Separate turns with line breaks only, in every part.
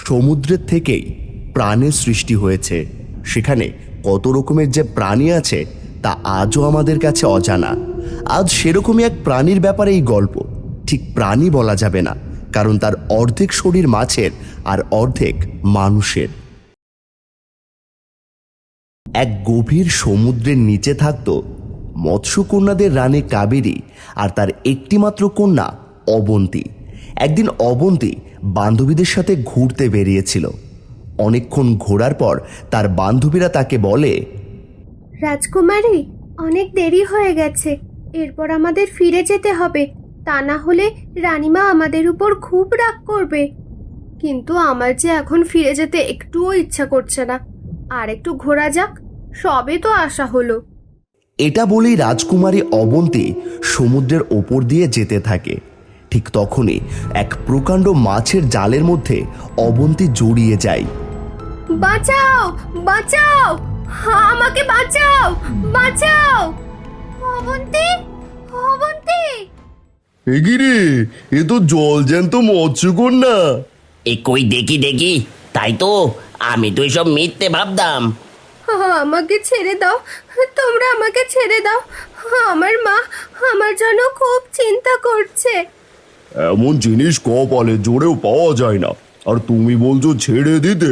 সমুদ্রের থেকেই প্রাণের সৃষ্টি হয়েছে। সেখানে কত রকমের যে প্রাণী আছে তা আজও আমাদের কাছে অজানা। আজ সেরকমই এক প্রাণীর ব্যাপারে এই গল্প। ঠিক প্রাণী বলা যাবে না, কারণ তার অর্ধেক শরীর মাছের আর অর্ধেক মানুষের। এক গভীর সমুদ্রের নিচে থাকত মৎস্যকন্যাদের রানী কাবেরী আর তার একটিমাত্র কন্যা অবন্তী। একদিন অবন্তী বান্ধবীদের সাথে ঘুরতে বেরিয়েছিল। অনেকক্ষণ ঘোরার পর তার বান্ধবীরা তাকে বলে,
রাজকুমারী, অনেক দেরি হয়ে গেছে, এরপর আমাদের ফিরে যেতে হবে, তা না হলে রানীমা আমাদের উপর খুব রাগ করবে। কিন্তু আমার যে এখন ফিরে যেতে একটুও ইচ্ছা করছে না, আর একটু ঘোরা যাক, সবে তো আসা হলো।
এটা বলেই রাজকুমারী অবন্তী সমুদ্রের ওপর দিয়ে যেতে থাকে। ঠিক তখনই এক প্রকাণ্ড মাছের জালের মধ্যে অবন্তী জড়িয়ে যায়।
বাঁচাও, বাঁচাও, আমাকে বাঁচাও, বাঁচাও। অবন্তী, অবন্তী।
এগিরে, এ তো জল জ্যান্ত মৎস্যকন্যা।
কই দেখি দেখি, তাই তো, আমি তো এসব মিথ্যে ভাবতাম।
আমাকে ছেড়ে দাও, তোমরা আমাকে ছেড়ে দাও। আমার মা আমার জন্য খুব চিন্তা করছে।
এমন জিনিস কপালে জোরেও পাওয়া যায় না, আর তুমি বলছো ছেড়ে দিতে?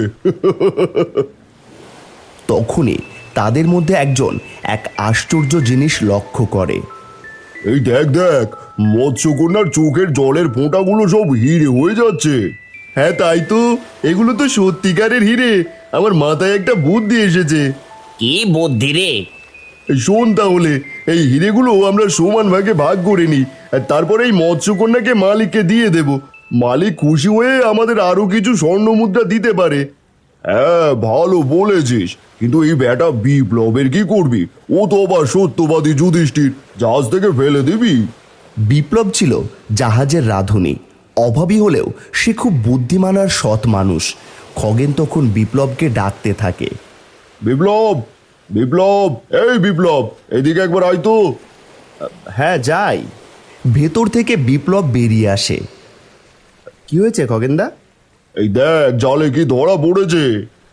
তখনই তাদের মধ্যে একজন এক আশ্চর্য জিনিস লক্ষ্য করে। এই দেখ দেখ, মৎস্যকন্যার চোখের জলের ফোঁটাগুলো সব হিরে হয়ে যাচ্ছে। হ্যাঁ তাই তো, এগুলো তো সত্যিকারের হিরে। আমার মাথায় একটা বুদ্ধি এসেছে।
কি বুদ্ধি রে?
শোন তাহলে, এই হিরেগুলো আমরা সমান ভাগে ভাগ করে নিই, আর তারপরে এই মৎস্যকন্যাকে মালিককে দিয়ে দেব। মালিক খুশি হয়ে আমাদের আরো কিছু স্বর্ণ মুদ্রা দিতে পারে। হ্যাঁ, ভালো বলেছিস, কিন্তু এই বেটা বিপ্লবের কি করবি? ও তো আবার সত্যবাদী যুধিষ্ঠির, জাহাজ থেকে ফেলে দিবি। বিপ্লব ছিল জাহাজের রাঁধুনি। অভাবী হলেও সে খুব বুদ্ধিমান আর সৎ মানুষ। খগেন তখন বিপ্লবকে ডাকতে থাকে। বিপ্লব, বিপ্লব, এই বিপ্লব, এদিকে একবার আয় তো। হ্যাঁ যাই। ভেতর থেকে বিপ্লব বেরিয়ে আসে। কি হয়েছে খগেনদা? এই দেখ, জালে কি ধরা পড়েছে।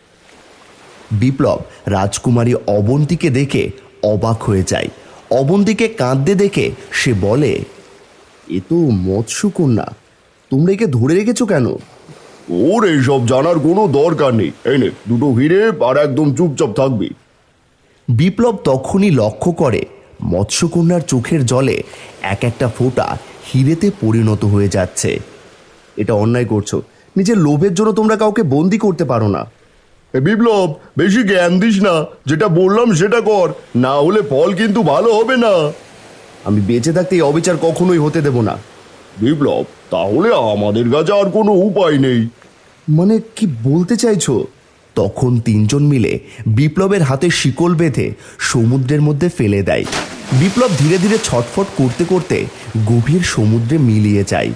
বিপ্লব রাজকুমারী অবন্তীকে দেখে অবাক হয়ে যায়। অবন্তীকে কাঁদতে দেখে সে বলে, এ তো মৎস্যকন্যা, তোমরা একে ধরে রেখেছো কেন? ওর এইসব জানার কোনো দরকার নেই। এই নে দুটো হিরে, আর একদম চুপচাপ থাকবি। বিপ্লব তখনই লক্ষ্য করে মৎস্যকন্যার চোখের জলে এক একটা ফোঁটা হিরেতে পরিণত হয়ে যাচ্ছে। এটা অন্যায় করছো। নিজের লোভের জন্য তোমরা কাউকে বন্দি করতে পারো না। বিপ্লব, বেশি জ্ঞান দিস না, যেটা বললাম সেটা কর, না হলে ফল কিন্তু ভালো হবে না। আমি বেঁচে থাকতে এই অবিচার কখনোই হতে দেব না। বিপ্লব, তাহলে আমাদের কাছে আর কোনো উপায় নেই। মানে কি বলতে চাইছো? তখন তিনজন মিলে বিপ্লবের হাতে শিকল বেঁধে সমুদ্রের মধ্যে ফেলে দেয়। বিপ্লব ধীরে ধীরে ছটফট করতে করতে গভীর সমুদ্রে মিলিয়ে যায়।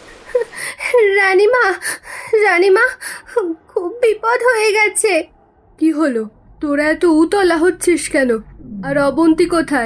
রানীমা, রানীমা, খুব বিপদ হয়ে গেছে। কি হলো? তোরা এত উতলা হচ্ছিস কেন? আর অবন্তী কোথায়?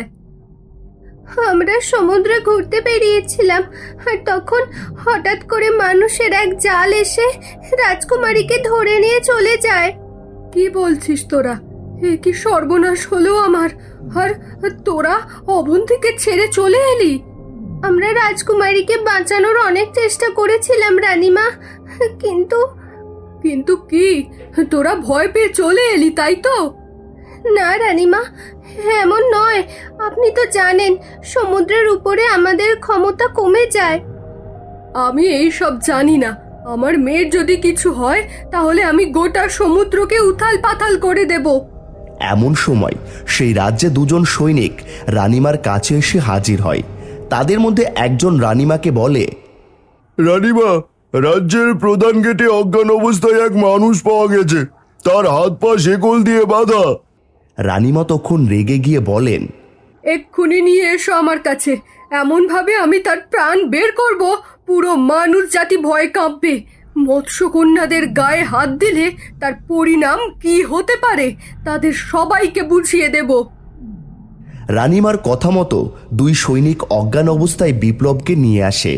আমরা সমুদ্রে ঘুরতে বেরিয়েছিলাম, আর তখন হঠাৎ করে মানুষের এক জাল এসে রাজকুমারীকে ধরে নিয়ে চলে যায়। কি বলছিস তোরা? এ কি সর্বনাশ হলো আমার! আর তোরা অবন্তীকে ছেড়ে চলে এলি? আমরা রাজকুমারীকে বাঁচানোর অনেক চেষ্টা করেছিলাম রানীমা, কিন্তু কিন্তু কি, তোরা ভয় পেয়ে চলে এলি তাই তো? না রানীমা, এমন নয়। আপনি তো জানেন সমুদ্রের উপরে আমাদের ক্ষমতা কমে যায়। আমি এই সব জানি না। আমার মেয়ের যদি কিছু হয় তাহলে আমি গোটা সমুদ্রকে উথাল পাথাল করে দেব।
এমন সময় সেই রাজ্যে দুজন সৈনিক রানীমার কাছে এসে হাজির হয়। তাদের মধ্যে একজন রানীমাকে বলে, রানীমা, রাজ্যের প্রধান গেটে অজ্ঞান অবস্থায় এক মানুষ পাওয়া গেছে, তার হাত পা শেকল দিয়ে বাঁধা। রানীমা তখন রেগে গিয়ে বলেন,
এক্ষুনি নিয়ে এসো আমার কাছে। এমন ভাবে আমি তার প্রাণ বের করব, পুরো মানুষ জাতি ভয়ে কাঁপবে। মৎস্যকন্যাদের গায়ে হাত দিলে তার পরিণাম কি হতে পারে তাদের সবাইকে বুঝিয়ে দেব।
রানীমার কথা মতো দুই সৈনিক অজ্ঞান অবস্থায় বিপ্লবকে নিয়ে আসে।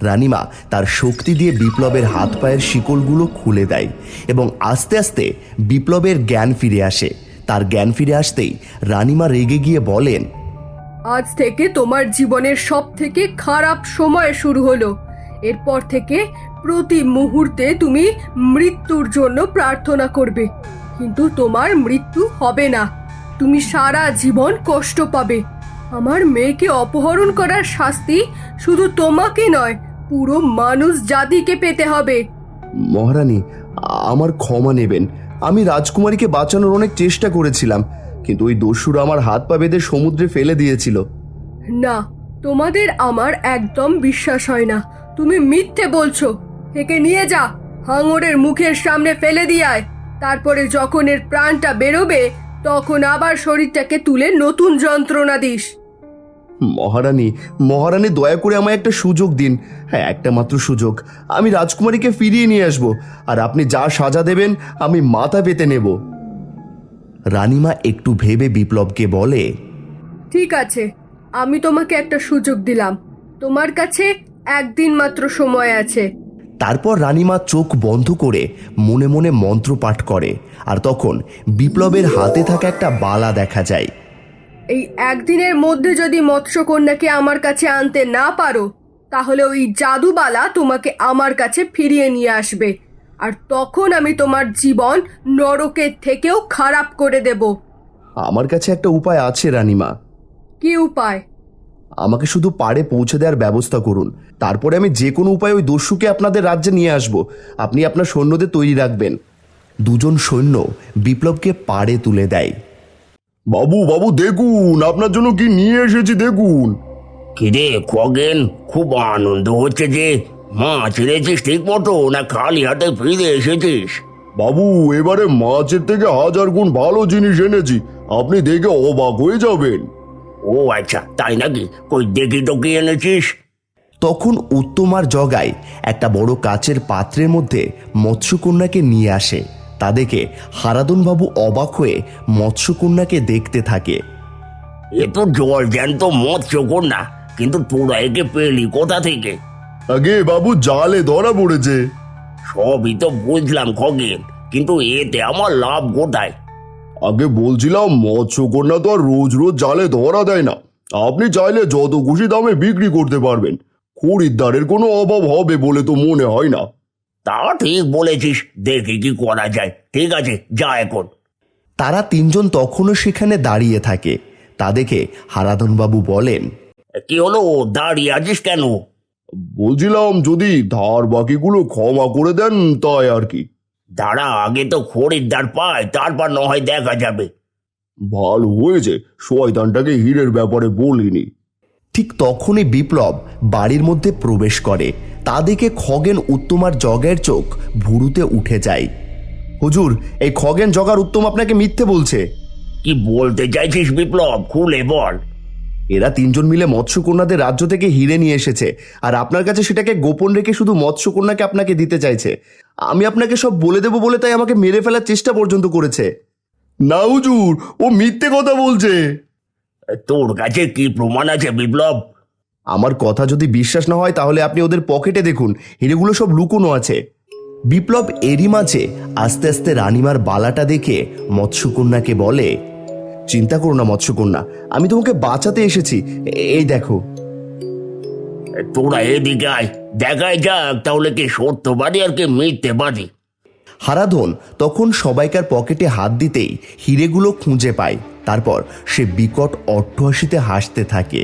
রানীমা তার শক্তি দিয়ে বিপ্লবের হাত পায়ের শিকলগুলো খুলে দেয় এবং আস্তে আস্তে বিপ্লবের জ্ঞান ফিরে আসে। তার জ্ঞান ফিরে আসতেই রানীমা রেগে গিয়ে বলেন,
আজ থেকে তোমার জীবনের সব থেকে খারাপ সময় শুরু হলো। এরপর থেকে প্রতি মুহূর্তে তুমি মৃত্যুর জন্য প্রার্থনা করবে, কিন্তু তোমার মৃত্যু হবে না। তুমি সারা জীবন কষ্ট পাবে। আমার মেয়েকে অপহরণ করার শাস্তি শুধু তোমাকে নয়, পুরো মানুষ জাতিকে পেতে হবে।
মহারানী, আমার ক্ষমা নেবেন। আমি রাজকুমারীকে বাঁচানোর অনেক চেষ্টা করেছিলাম, কিন্তু ওই দস্যুরা আমার হাত পা বেঁধে সমুদ্রে ফেলে দিয়েছিল।
না, তোমাদের আমার একদম বিশ্বাস হয় না। তুমি মিথ্যে বলছো। একে নিয়ে যা, হাঙরের মুখের সামনে ফেলে দিয়ে আয়। তারপরে যখন এর প্রাণটা বেরোবে, তখন আবার শরীরটাকে তুলে নতুন যন্ত্রণা দিস।
মহারানী, মহারানী, দয়া করে আমায় একটা সুযোগ দিন। হ্যাঁ, একটা মাত্র সুযোগ। আমি রাজকুমারীকে ফিরিয়ে নিয়ে আসব, আর আপনি যা সাজা দেবেন আমি মাথা পেতে নেব। রানীমা একটু ভেবে বিপ্লবকে বলে,
ঠিক আছে, আমি তোমাকে একটা সুযোগ দিলাম। তোমার কাছে একদিন মাত্র সময় আছে।
তারপর রানীমা চোখ বন্ধ করে মনে মনে মন্ত্র পাঠ করে, আর তখন বিপ্লবের হাতে থাকা একটা বালা দেখা যায়।
এই একদিনের মধ্যে যদি মৎস্যকন্যাকে আমার কাছে আনতে না পারো, তাহলে ওই জাদুবালা তোমাকে আমার কাছে ফিরিয়ে নিয়ে আসবে, আর তখন আমি তোমার জীবন নরকের থেকেও খারাপ করে দেব।
আমার কাছে একটা উপায় আছে রানীমা।
কি উপায়?
আমাকে শুধু পাড়ে পৌঁছে দেওয়ার ব্যবস্থা করুন, তারপরে আমি যে কোনো উপায়ে ওই দস্যুকে আপনাদের রাজ্যে নিয়ে আসব। আপনি আপনার সৈন্যদের তৈরি রাখবেন। দুজন সৈন্য বিপ্লবকে পাড়ে তুলে দেয়।
বাবু বাবু দেখুন, আপনার জন্য কি নিয়ে এসেছি দেখুন।
কিরে খগেন, খুব আনন্দ হচ্ছে যে। মাছ এনেছিস ঠিক মতো, না খালি হাতে ফিরে এসেছিস?
বাবু, এবারে মাছের থেকে 1000 গুণ ভালো জিনিস এনেছি, আপনি দেখে অবাক হয়ে যাবেন।
ও আচ্ছা, তাই নাকি? কই দেখি তো কি এনেছিস।
তখন উত্তমার জগায় একটা বড় কাচের পাত্রের মধ্যে মৎস্যকন্যাকে নিয়ে আসে। তা দেখে হারাধনবাবু অবাক হয়ে মৎস্যকন্যাকে দেখতে থাকে।
এ তো জল জ্যান্ত মৎস্যকন্যা, কিন্তু তোরা একে পেলি কোথা থেকে?
আগে বাবু, জালে ধরা পড়েছে।
সবই তো বুঝলাম খগেন, কিন্তু এতে আমার লাভ কোথায়?
আগে বলছিলাম, মৎস্যকন্যা তো আর রোজ রোজ জালে ধরা দেয় না। আপনি চাইলে যত খুশি দামে বিক্রি করতে পারবেন। খরিদ্দারের কোনো অভাব হবে বলে তো মনে হয় না।
তা ঠিক বলেছিস, দেখি কি করা যায়। ঠিক আছে, যা এখন।
তারা তিনজন তখনও সেখানে দাঁড়িয়ে থাকে। তা দেখে হারাধনবাবু বলেন,
কি হলো, দাঁড়িয়ে আছিস কেন?
বলছিলাম, যদি ধার বাকিগুলো ক্ষমা করে দেন তাই আর কি।
দাঁড়া, আগে তো খরিদ্দার পায়, তারপর না হয় দেখা যাবে।
ভালো হয়েছে শয়তানটাকে হীরের ব্যাপারে বলিনি।
ঠিক তখনই বিপ্লব বাড়ির মধ্যে প্রবেশ করে। তা দেখে খগেন উত্তমার জগের চোখ ভুরুতে উঠে যায়। হুজুর, এই খগেন জগার উত্তম আপনাকে মিথ্যে বলছে।
কি বলতে চাইছিস বিপ্লব, খুলে বল।
এরা তিনজন মিলে মৎস্যকন্যাদের রাজ্য থেকে হিরে নিয়ে এসেছে, আর আপনার কাছে সেটাকে গোপন রেখে শুধু মৎস্যকন্যাকে আপনাকে দিতে চাইছে। আমি আপনাকে সব বলে দেবো বলে তাই আমাকে মেরে ফেলার চেষ্টা পর্যন্ত করেছে।
না হুজুর, ও মিথ্যে কথা বলছে।
তোর কাছে কি প্রমাণ আছে বিপ্লব?
আমার কথা যদি বিশ্বাস না হয় তাহলে আপনি ওদের পকেটে দেখুন, হিরেগুলো সব লুকোনো আছে। বিপ্লব এরই মাঝে আস্তে আস্তে রানীমার বালাটা দেখে মৎস্যকন্যাকে বলে, চিন্তা করো না মৎস্যকন্যা, আমি তোমাকে বাঁচাতে এসেছি। এই দেখো।
তোরা এদিকে আয়, দেখাই যাক তাহলে কি সত্যবাদী আর কি মিথ্যেবাদী।
হারাধন তখন সবাইকার পকেটে হাত দিতেই হিরেগুলো খুঁজে পায়। তারপর সে বিকট অট্টহাসিতে হাসতে থাকে।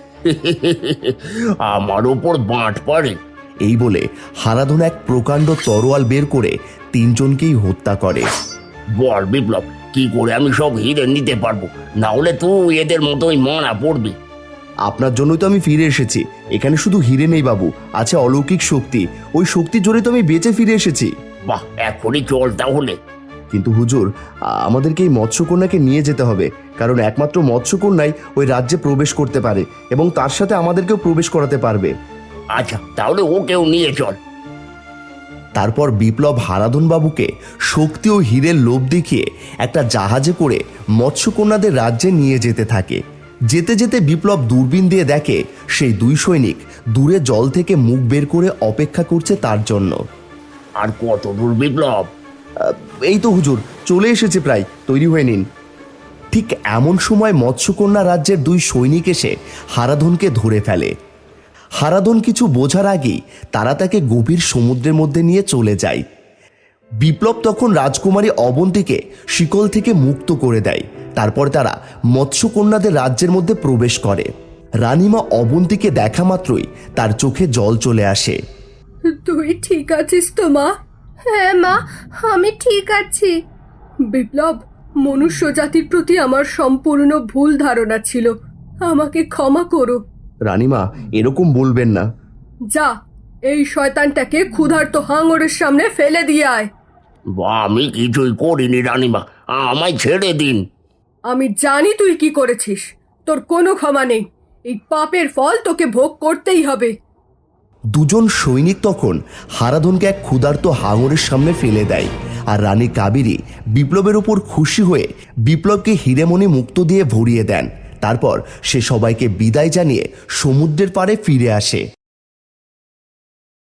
আমার উপর বাঁট পড়ে।
এই বলে হারাধন এক প্রকাণ্ড তরোয়াল বের করে তিনজনকেই হত্যা করে।
বল বিপ্লব, কি করে আমি সব হিরে নিতে পারবো? না হলে তুই এদের মতোই মারা পড়বি।
আপনার জন্যই তো আমি ফিরে এসেছি। এখানে শুধু হিরে নেই বাবু, আছে অলৌকিক শক্তি। ওই শক্তির জোরে তো আমি বেঁচে ফিরে এসেছি।
বাহ, এখনই চল তাহলে।
কিন্তু হুজুর, আমাদেরকে এই মৎস্যকন্যাকে নিয়ে যেতে হবে, কারণ একমাত্র মৎস্যকন্যাই ওই রাজ্যে প্রবেশ করতে পারে এবং তার সাথে আমাদেরকেও প্রবেশ করাতে পারবে।
আচ্ছা, তাহলে ওকেও নিয়ে চল।
তারপর বিপ্লব হারাধন বাবুকে শক্তি ও হীরের লোভ দেখিয়ে একটা জাহাজে করে মৎস্যকন্যাদের রাজ্যে নিয়ে যেতে থাকে। যেতে যেতে বিপ্লব দূরবীন দিয়ে দেখে সেই দুই সৈনিক দূরে জল থেকে মুখ বের করে অপেক্ষা করছে তার জন্য।
আর কত দূর বিপ্লব?
এই তো হুজুর, চলে এসেছে প্রায়, তৈরি হয়ে নিন। ঠিক এমন সময় মৎস্যকন্যা রাজ্যের দুই সৈনিক এসে হারাধনকে ধরে ফেলে। হারাধন কিছু বোঝার আগেই তারা তাকে গভীর সমুদ্রের মধ্যে নিয়ে চলে যায়। বিপ্লব তখন রাজকুমারী অবন্তীকে শিকল থেকে মুক্ত করে দেয়। তারপর তারা মৎস্যকন্যাদের রাজ্যের মধ্যে প্রবেশ করে। রানীমা অবন্তীকে দেখা মাত্রই তার চোখে জল চলে আসে।
তুই ঠিক আছিস তো মা? হ্যাঁ মা, আমি ঠিক আছি। বিপ্লব, মনুষ্য জাতির প্রতি আমার সম্পূর্ণ ভুল ধারণা ছিল, আমাকে ক্ষমা করো।
রানীমা, এরকম বলবেন না।
যা, এই শয়তানটাকে ক্ষুধার্ত হাঙরের সামনে ফেলে দিয়ে আয়।
আমি কিছুই করিনি রানীমা, আমায় ছেড়ে দিন।
আমি জানি তুই কি করেছিস, তোর কোনো ক্ষমা নেই। এই পাপের ফল তোকে ভোগ করতেই হবে।
দুজন সৈনিক তখন হারাধনকে এক ক্ষুধার্ত হাঙরের সামনে ফেলে দেয়। আর রানী কাবেরী বিপ্লবের উপর খুশি হয়ে বিপ্লবকে হিরেমণি মুক্ত দিয়ে ভরিয়ে দেন। তারপর সে সবাইকে বিদায় জানিয়ে সমুদ্রের পাড়ে ফিরে আসে।